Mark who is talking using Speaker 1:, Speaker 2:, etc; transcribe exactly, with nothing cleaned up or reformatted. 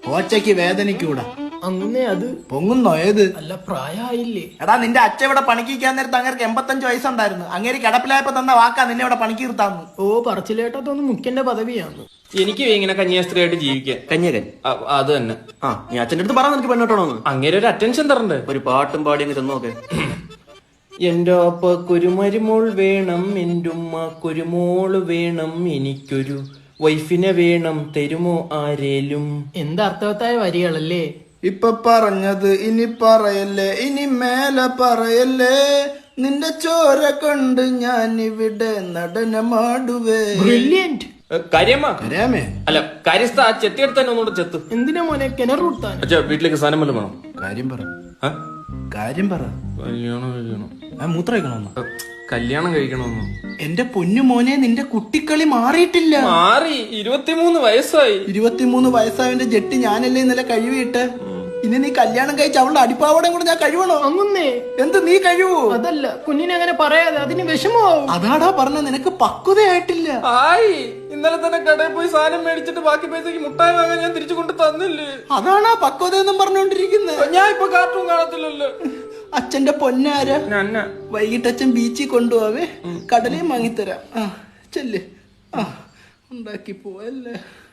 Speaker 1: ഓച്ചയ്ക്ക് വേദനിക്കൂടാ.
Speaker 2: അങ്ങനെ അത്
Speaker 1: പൊങ്ങുന്നോ? ഏത്?
Speaker 2: അല്ല പ്രായമായില്ലേ?
Speaker 1: എടാ നിന്റെ അച്ഛ ഇവിടെ പണിക്കാൻ നേരത്ത് അങ്ങേർക്ക് എൺപത്തഞ്ച് വയസ്സുണ്ടായിരുന്നു. അങ്ങേര് കിടപ്പിലായപ്പോ തന്ന വാക്കാ നിന്നെ ഇവിടെ പണിക്ക് നിർത്താന്ന്.
Speaker 2: ഓ പറച്ചിലേട്ടത്തൊന്നും മുഖ്യന്റെ പദവിയാണ്.
Speaker 3: എനിക്ക് ഇങ്ങനെ കന്യാസ്ത്രീയായിട്ട് ജീവിക്കാൻ.
Speaker 4: കന്യകൻ
Speaker 3: അത് തന്നെ.
Speaker 4: ആ നീ അച്ഛൻ്റെ അടുത്ത് പറ നിനക്ക് പെണ്ണോട്ടണോന്ന്.
Speaker 3: അങ്ങനെ ഒരു അറ്റൻഷൻ തരണ്ടേ?
Speaker 4: ഒരു പാട്ടും പാടി അങ്ങ് ചെന്നോക്കെ.
Speaker 3: എന്റെ അപ്പ കുരുമരുമോൾ വേണം, എന്റെ ഉമ്മ കുരുമോള് വേണം, എനിക്കൊരു വൈഫിനെ വേണം, തരുമോ ആരേലും.
Speaker 2: എന്തർത്ഥവത്തായ വരികളല്ലേ?
Speaker 1: ഇപ്പൊ പറഞ്ഞത് ഇനി പറയല്ലേ, ഇനി മേലെ പറയല്ലേ. നിന്റെ ചോര കൊണ്ട് ഞാൻ ഇവിടെ നടനമാടുവേ.
Speaker 2: ബ്രില്യന്റ്.
Speaker 3: കാര്യമ്മ
Speaker 1: കരയാമേ?
Speaker 3: അല്ല കാര്യസ്ഥ ആ ചെത്തിയെടുത്ത് തന്നെ ഒന്നുകൂടെ ചെത്ത്.
Speaker 2: എന്തിനാ മോനെ കിണറൂട്ടാൻ?
Speaker 3: അച്ഛാ വീട്ടിലേക്ക് സാധനം വല്ലതും വേണം.
Speaker 1: കാര്യം പറ,
Speaker 3: ആ?
Speaker 1: കാര്യം പറ.
Speaker 3: കല്യാണം കഴിക്കണം.
Speaker 1: ഞാൻ മൂത്രം കഴിക്കണമെന്നോ?
Speaker 3: കല്യാണം കഴിക്കണമെന്നോ?
Speaker 1: എന്റെ പൊന്നു മോനെ, നിന്റെ കുട്ടിക്കളി മാറിയിട്ടില്ല.
Speaker 3: മാറി. ഇരുപത്തിമൂന്ന് വയസ്സായി.
Speaker 1: ഇരുപത്തിമൂന്ന് വയസ്സായവന്റെ ജെട്ടി ഞാനല്ലേ ഇന്നലെ കഴിവിട്ട്. ഇനി നീ കല്യാണം കഴിച്ച് അവളുടെ അടിപ്പാവടയും കൂടെ ഞാൻ കഴിവണോ?
Speaker 2: അങ്ങുന്നേ
Speaker 1: എന്ത് നീ കഴിവോ?
Speaker 2: അതല്ല, കുഞ്ഞിനെ അങ്ങനെ പറയാതെ, അതിന് വിഷമമാവും.
Speaker 1: അതാടാ പറഞ്ഞ, നിനക്ക് പക്വതയായിട്ടില്ല.
Speaker 3: ആയി. ഇന്നലെ തന്നെ കടയിൽ പോയി സാധനം മേടിച്ചിട്ട് ബാക്കി പൈസക്ക് മുട്ടായി വാങ്ങാൻ ഞാൻ തിരിച്ചു കൊണ്ട് തന്നില്ലേ.
Speaker 1: അതാണാ പക്വത എന്നും പറഞ്ഞോണ്ടിരിക്കുന്നത്.
Speaker 3: ഞാൻ ഇപ്പൊ കാർട്ടൂൺ കാണത്തില്ലല്ലോ.
Speaker 1: അച്ഛന്റെ പൊന്നാര,
Speaker 3: ഞാൻ
Speaker 1: വൈകിട്ട് അച്ഛൻ ബീച്ചിൽ കൊണ്ടുപോവേ, കടലയും വാങ്ങിത്തരാം. ആ ചെല്ല്. ആ ഉണ്ടാക്കി പോവല്ലേ.